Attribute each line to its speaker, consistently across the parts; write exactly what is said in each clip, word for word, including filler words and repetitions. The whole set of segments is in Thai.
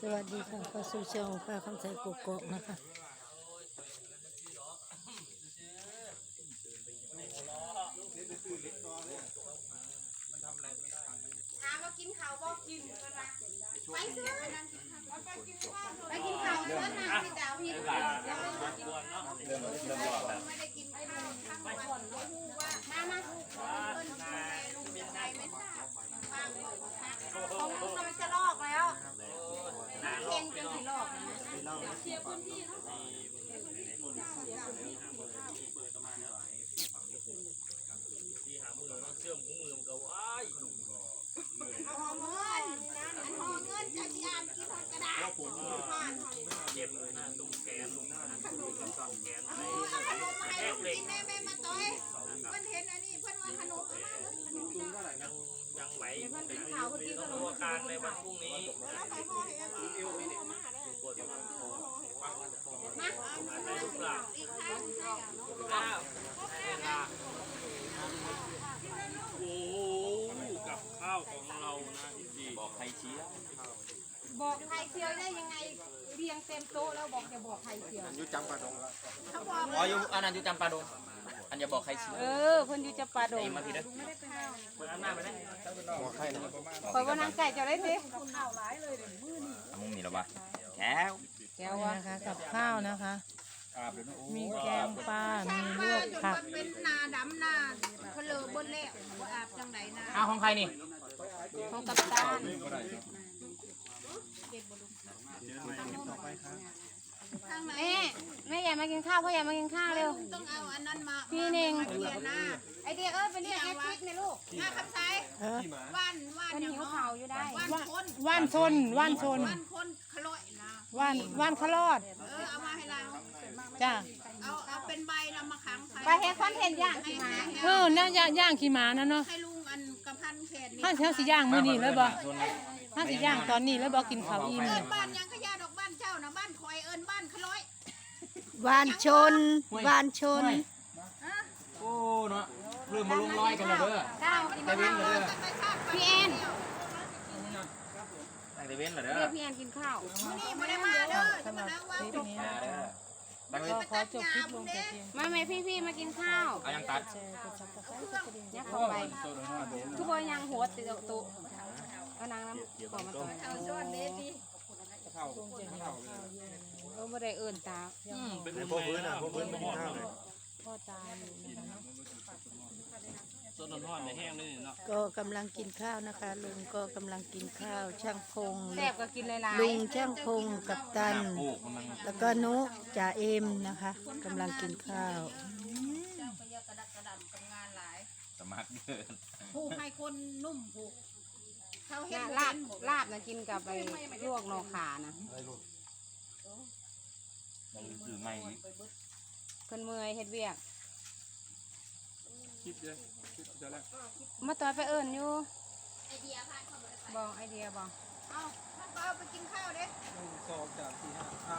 Speaker 1: วัสดีค่ะเข้าสู่ช่องป้าคำใสกุกกอกนะคะ
Speaker 2: ถามว่ากินข้าวบ่กินไปซื้อไปกินข้าวไปกินข้าวเสื้อหนังสิดาวพี่ไม่ได้กินข้าวทั้งวันว่ามามาเพิ่นดูแลลุงเป็นไงไม่ทราบฟังของลุงมันจะลอกแล้วเก่งจนสิลอกนะเสียพื้นที่เนาะ
Speaker 3: ที่หามือเชื่อมของมือมันก็ว้าย
Speaker 2: หอมเงินอันหอมเงินจะที่อ่านกินกระดาษผ่าน
Speaker 3: เจ็บเลยนะตรงแขนตรงหน้าตรงแขน
Speaker 2: เอาขนมมาให้ลุงกินได้ไหมมาต่อยเพิ่นเห็นอันนี้เพิ่นว่าขนมมาเลยขนมจ้า
Speaker 3: ยังยังไหวต้องดูอาการในวันพรุ่งนี้
Speaker 2: แล้วใครพ่อเห็นอันนี้มาได้
Speaker 3: ปวดมา
Speaker 2: มาเอา
Speaker 3: ลูกหลาน
Speaker 2: อีกครั้งให้
Speaker 3: ข้าวเวลาโอ้กับข้าวของเรานะดีบอกใครเชียร์
Speaker 2: บอกไข่เจียวได้ยังไงเรียงเต็มโต๊ะแล้วบอกจะบอกไข่เจียวอยู่จำปาดงเขาบอก
Speaker 4: อ๋ออยู่อันนั้นอยู่จำปาดงอันอย่าบอกใครชี้
Speaker 1: เออคนอยู่จะปลาดง
Speaker 4: มาทีเด้อ
Speaker 3: เปิดหน้าไปได้
Speaker 1: คอยว่านังไก่จะได้สิ
Speaker 4: มุมนี้หรอวะแก้ว
Speaker 1: แก้วนะคะกับข้าวนะคะ มีแกงปลา มีลวกผัก
Speaker 2: เป็นนาดำนาเพลอบนแล้วว่าอาบจังไหนนา
Speaker 4: อ้าวของใครนี่
Speaker 1: ของกับตาล
Speaker 2: ทางไหน
Speaker 1: แม่แม่อยากมากินข้าวพ่ออยากมากินข้าวเร็ว
Speaker 2: ต้องเอาอันนั้นมา
Speaker 1: พี่เน่ง
Speaker 2: เรียนหน้า
Speaker 1: ไอเดียเอ้ยไปเรียกแอดฟิตนะลูก
Speaker 2: หน้าคำไซ
Speaker 1: เออ
Speaker 2: ว่านว่าน
Speaker 1: มัน
Speaker 2: อย่าง
Speaker 1: หิว
Speaker 2: เนาะ
Speaker 1: ข่าวอยู่ได้
Speaker 2: ว่านคน
Speaker 1: ว่านชนว่านชน
Speaker 2: ว่านคนขลุ่ยนะ
Speaker 1: ว่านว่านขลอด
Speaker 2: เออเอามาให้เรา
Speaker 1: จ้า
Speaker 2: เอาเอาเป็นใบเรามาขัง
Speaker 1: ไปเฮ็ดคอนเทนต์ย่าง
Speaker 2: ให้
Speaker 1: ขี่ม้า
Speaker 2: ให้
Speaker 1: เออน่าย่างย่างขี่ม้านั่นเนาะ
Speaker 2: ให้ลุงอันกระพันแขนนี่
Speaker 1: ห้าเช้าสิย่างมื้อนี้เลยบ่ห้าสิย่างตอนนี้แล้วบ่กินข้าวอิ่ม
Speaker 2: เอิ้นบ้านยังขยะดอกบ้านเจ้านะบ้านคอยเอิ้นบ้านขลุ่ย
Speaker 1: วานชนวานชน
Speaker 4: โอ้เนาะเริ่มมาลงรอยกันแล้วเด้อ
Speaker 1: ข้าวกินข้าว พี่แอน
Speaker 4: ตั้งแต่เว้นเหรอเด้อ
Speaker 1: เรียกพี่แอนกินข้าว
Speaker 2: นี่ไม่ได้มาเด้อจะมานั่งว่าจบ
Speaker 4: มาเด้อตั้งเว้น
Speaker 1: ขอจบคลิปลงแต่เพียงมาแม่พี่พี่มากินข้าว
Speaker 4: เอายังตัด
Speaker 1: เนี่ยเข้าไปทุกคนยังหัวติดตุก็นางน้ำขอมาต่อย
Speaker 2: เอาสวัสดีพี่
Speaker 1: เราไม่ได้เอื่นตา
Speaker 3: เป็นพ่อพื้นอ่ะพ่อพื้นไม่กินข้าวเลย
Speaker 1: พ่อตาอยู่นะคะ
Speaker 3: สดร้อนในแห้งเลยเนาะ
Speaker 1: ก็กำลังกินข้าวนะคะลุงก็กำลังกินข้าวช่างพง
Speaker 2: แซ่บก็กินหลายๆ
Speaker 1: ลุงช่างพงกับตัน
Speaker 4: ปลูกมัน
Speaker 1: แล้วก็นุจ่าเอ็มนะคะกำลังกินข้าว
Speaker 2: เจ้าก็ยากระดักกระดำกับงานหลาย
Speaker 4: สมัครเดิน
Speaker 2: ผูกให้คนนุ่มผูกเขาเห็น
Speaker 1: ลาบลาบนะกินกับไปลวกนอขานะ
Speaker 4: ในสื่อใหม่
Speaker 1: คนเมื่อยเฮ็ดเวียก
Speaker 3: คิดเลยคิดจะแล้ว
Speaker 1: มาต่อยไปเอิ่นอยู่
Speaker 2: ไอเดียพาเขาไป
Speaker 1: บอกไอเดียบอก
Speaker 2: เอาท่านก็เอาไปกินข้าวเด้
Speaker 3: สองจากสี่ห้าท้าย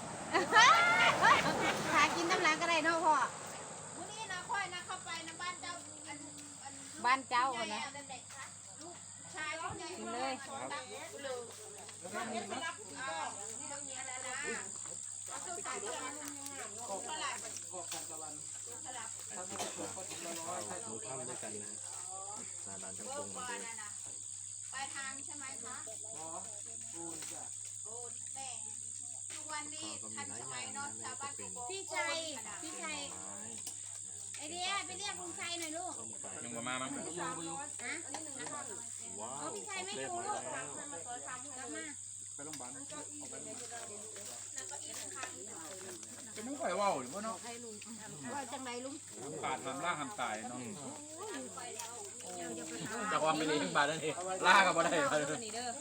Speaker 1: หากินน้ำหลังก็ได้เนาะพ่อ
Speaker 2: วันนี้นะค่อยนะเข้าไปนะบ้านเจ้าอันอัน
Speaker 1: บ้านเจ้า
Speaker 2: ใหญ่
Speaker 1: คนนะ
Speaker 2: อะเด็กๆค่ะลูกชายลูกใหญ่
Speaker 1: กินเลย
Speaker 2: ตักเลยแล้วเนี่ยไปรับผู้ก็นี่เรามีอะไรนะเอาตู้ใส่เสื้อมาลุงยังไงเท่าไหร่
Speaker 3: กอกกันตะวัน
Speaker 2: เท่าไหร่
Speaker 3: ถ้าไม่ถูกก็ถึงละร้อยถ้าถูกทำด้วยกันนะ
Speaker 2: เบอร์ก่อนนะนะไปทางใช่ไหมคะ
Speaker 3: อ๋อปูนจ้ะ
Speaker 2: โอ้แม่ทุกวันนี้ทันสมัยเนอนชาวบ้านโกโก้
Speaker 1: พี่ชัยพี่ชัยไอเดียไปเรียกลุงชัยหน่อยลูก
Speaker 4: ยังมามามั้ง
Speaker 1: ฮะอ๋อพี่ชัยไม่อยู่ลูกกลับมา
Speaker 3: ไปโรงพยาบาลออกไปจะไม่ค่อยว่าวหรือว่าเนาะ
Speaker 2: ว่าจังไรลุง
Speaker 3: ขาดทำล่าทำตายเนาะ
Speaker 4: จากความเป็นเลี้ยงบาทนั่นเองล่ากับบ่ได้มาเลย
Speaker 1: นี่เด้อ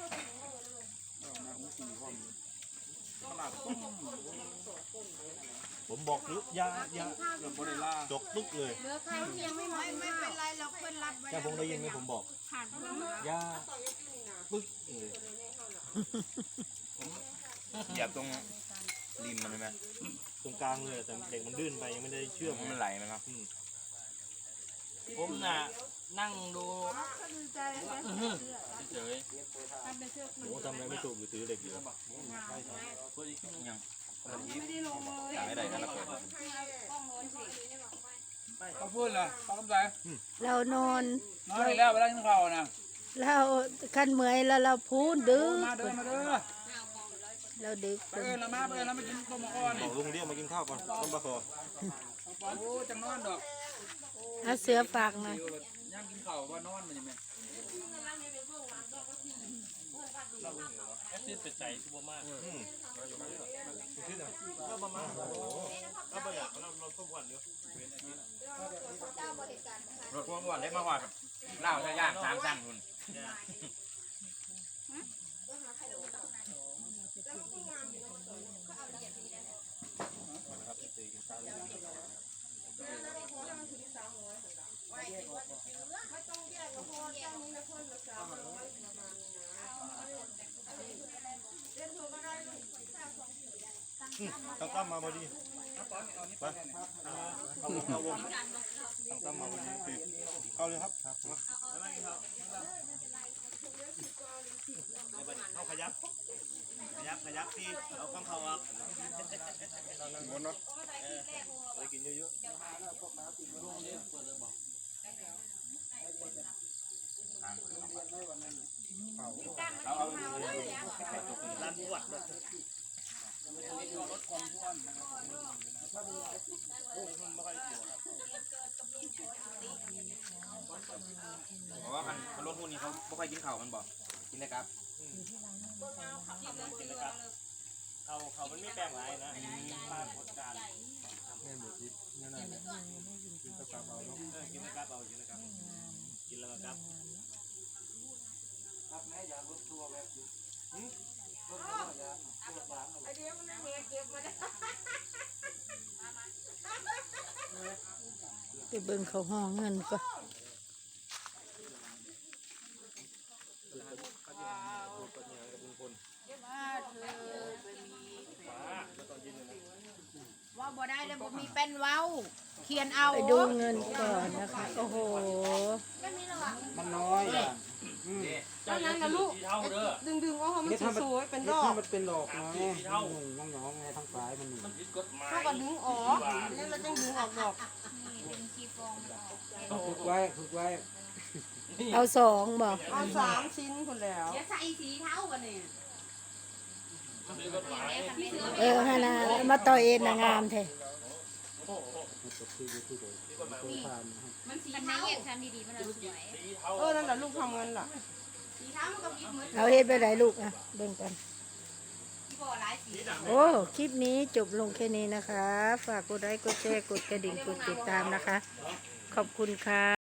Speaker 5: ผมบอกหรือยายา
Speaker 3: เกือบบ่ได้ล่า
Speaker 5: จกตึกเลย
Speaker 1: เหลือใครที่ยังไม่มา
Speaker 2: ไม่ไม่เป็นไรหรอกเพื่อนรับไว้
Speaker 5: แค่ผมได้ยินไหมผมบอก
Speaker 2: ผ่านเพื่อน
Speaker 5: ยาปึ๊กเลย
Speaker 4: เหยียบตรงริมมันใช่ไหม
Speaker 5: ตรงกลางเลยแต่เด็กมันดื้นไปยังไม่ได้เชื่อม
Speaker 4: มันไหลไหมครับผมน่ะนั่งดู
Speaker 3: เฉย
Speaker 5: โอ้ทำอะไรไม่ถูกอยู่ถือเหล็กอยู่
Speaker 3: เพื่ออีกอย่าง
Speaker 1: ไม่ได้ลงเลย
Speaker 4: จ่ายได้กันละเปิด
Speaker 1: กล้องโน้นสิ
Speaker 6: เขาพูดเหรอเขาคำใจ
Speaker 7: เรานอน
Speaker 6: นอนอีกแล้วเวลากินข้าวนะ
Speaker 7: เราคันเมื่อยแล้วเราพูดดึก
Speaker 6: มาเดินมาเด้อ
Speaker 7: เราดึก
Speaker 6: ไปเอิญละมาไปเอิญละมากินต้มมะอ่อน
Speaker 5: บอกลุงเรียกมากินข้าวก่อนต้มปลาคอ
Speaker 6: โอ้จังนอนดอก
Speaker 7: เอาเสือฝากหน่อย
Speaker 6: ย่างกินข้าวว่านอนมันยังไง
Speaker 3: แอปที่เป็นใจคือบ่มาก
Speaker 5: อืมขึ้นอ่ะก็ประมาณโอ้โหก็ประหยัดเราเราต้มวันเดียว
Speaker 4: รถพวงวันเล็กมากกว่าเล่าจะย่างสามสั้นคุณ
Speaker 5: ตั้งตั้มมาพอดีไปเอาเอาวงตั้งตั้มมาพอดีคือเข้าเลยครับมาเข้าขยับขยับขยับที่เอาข้างเขาออกงนเนาะไปกินเยอะๆเอาเอาร้านบวช
Speaker 4: เพราะว่ามันมันรถหุ้นนี่เขาไม่ค่อยกินข้าวมันบอกกินได้ครับ
Speaker 5: เขาเขามันไม่แปลงไรนะปลาโคตรการ
Speaker 6: แม่หมดทิพย์นั่นน่ะกินกระป๋าเอาเนาะ
Speaker 5: กินนะครับเอากินนะครับกินแล้วครับครับแม่ยางรถทัวร์แบบอยู่รถทัวร์ยางรถยาง
Speaker 2: ไอเดียมันไม่เก็บมาได้
Speaker 7: ไปเบิ่งเขาห้องเงินก็
Speaker 2: ว่าบ่ได้เลยบ่มีเป็นเว้าเขียนเอา
Speaker 7: ไปดูเงินก่อนนะคะโอ้โห
Speaker 6: มันน้อยอ่ะ
Speaker 1: แล้วนั่นนะลูก
Speaker 3: ที่เท่าเด้อ
Speaker 1: ดึงดึงๆเอาให้มันสวยๆเป็นดอก
Speaker 6: มันเป็นดอกน้อยน้องน้องไงทั้งสายมัน
Speaker 3: มันผิดกฎหมาย
Speaker 1: เท่ากับดึงออกแล้วเราต้องดึงออกดอก
Speaker 6: ฝึกไว้ฝึกไว้
Speaker 7: เอาสองบอก
Speaker 1: เอาสามชิ้นคนแล้ว
Speaker 2: อย่าใส่สีเท้ากันนี่
Speaker 3: ผิดกฎหมาย
Speaker 7: เออฮานามาต่อเอ็นนะงามแท้
Speaker 2: มันสีเท้า
Speaker 3: สีเท่า
Speaker 1: เออนั่นแหละลูกทำเงินล่ะ
Speaker 2: สีเท้ามันก็ผิดเหมือน
Speaker 7: เอาเฮ็ดไปไหนลูกอ่ะเบิ่งกัน
Speaker 2: ที่บ่หลายสี
Speaker 7: โอ้คลิปนี้จบลงแค่นี้นะคะ ฝากกดไลค์กดแชร์กดกระดิ่งกดติดตามนะคะ ขอบคุณค่ะ